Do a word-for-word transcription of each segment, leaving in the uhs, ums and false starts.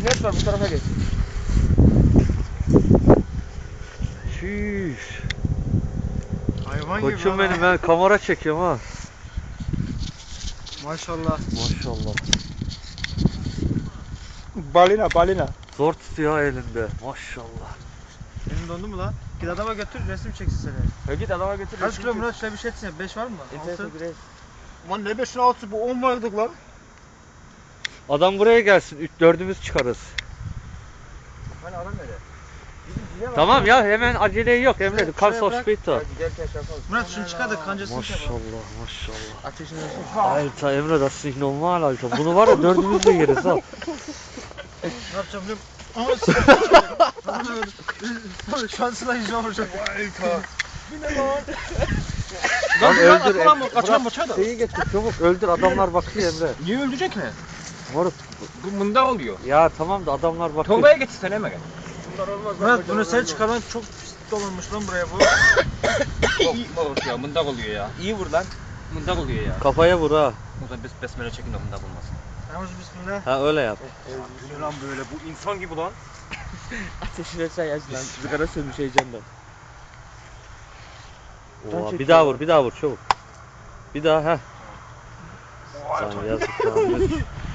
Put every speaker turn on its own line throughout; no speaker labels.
Ses var bu tarafa geç.
Şiş.
Hayvan gibi.
Koçum benim, ben kamera çekiyorum ha.
Maşallah.
Maşallah.
Balina balina.
Zor tutuyor elinde. Maşallah.
Elin dondu mu lan? Git adama götür resim çeksin seni.
Ya git adama götür.
Kaç kilo Murat şöyle bir şey etsin ya. beş var mı? altı.
Lan ne beşin altısı bu on vardık lan.
Adam buraya gelsin. Üç dördümüz çıkarız.
Hani adam nerede?
Tamam ya, hemen acele yok Emre.
Şuraya
Kan
bırak.
sospito.
Giderken şey yapalım.
Murat şunu çıkar da kancasını şey yapalım.
Maşallah maşallah.
Ateşini ölçün.
Alter Emre, das ist normal Alter. Bunu var ya dördümüz de yeriz ha.
Ne yapacağım biliyorum. Ama şansına yüzüme vuracak. Bir ne lan?
Lan öldür
Lan
Emre.
kaçan maça da.
Şeyi getir çabuk, öldür, adamlar bakıyor Emre.
Niye öldürecek mi?
Moruk.
Bu mında oluyor.
Ya tamam da adamlar bakıyor.
Tolga'ya getirsen hemen gel.
Murat bunu sen çıkarman çok pis dolanmış lan buraya bu.
Yok moruk ya mındak oluyor ya. İyi vur lan. Mındak oluyor ya.
Kafaya vur ha.
O zaman bes besmele çekin de mındak olmasın.
Yalnız bismillah.
Ha öyle yap.
Bu ne lan böyle bu insan gibi lan.
Ateşi versen yaş lan. Sigara sönmüş heyecandan.
Oha, bir daha vur, bir daha vur çabuk. Bir daha ha. Sana yazık lan.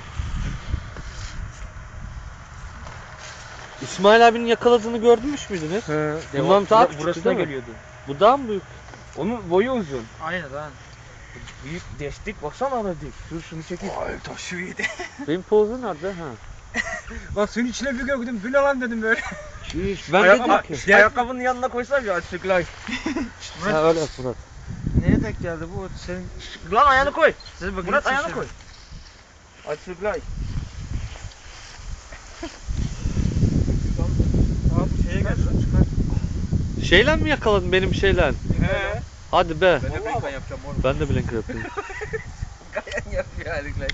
İsmail abinin yakaladığını gördünüz müydünüz?
He.
Bundan daha küçüktü
burasına
değil mi?
geliyordu.
Bu daha mı büyük?
Onun boyu uzun.
Aynen lan.
Büyük destek baksana ona dik. Dur şunu çekeyim. Ay taşı yedi.
Benim pozu nerede ha?
Lan suyun içine bir gördüm. Bu ne lan dedim böyle.
Şiş, ben dedim ki.
Ayakkabının yanına koysam ya açıklar.
Ha öyle yap Murat.
Neye denk geldi bu? Senin
Lan ayağını koy.
size bakın.
Murat ayağını koy. Açıklar.
Aa bu şeye geldi lan çıkar.
Şeyle mi yakaladın benim şeyle?
He.
Hadi be.
Ben de brinkan yapacağım oğlum.
Ben de blinker yapayım.
Kayan yapıyor harikler.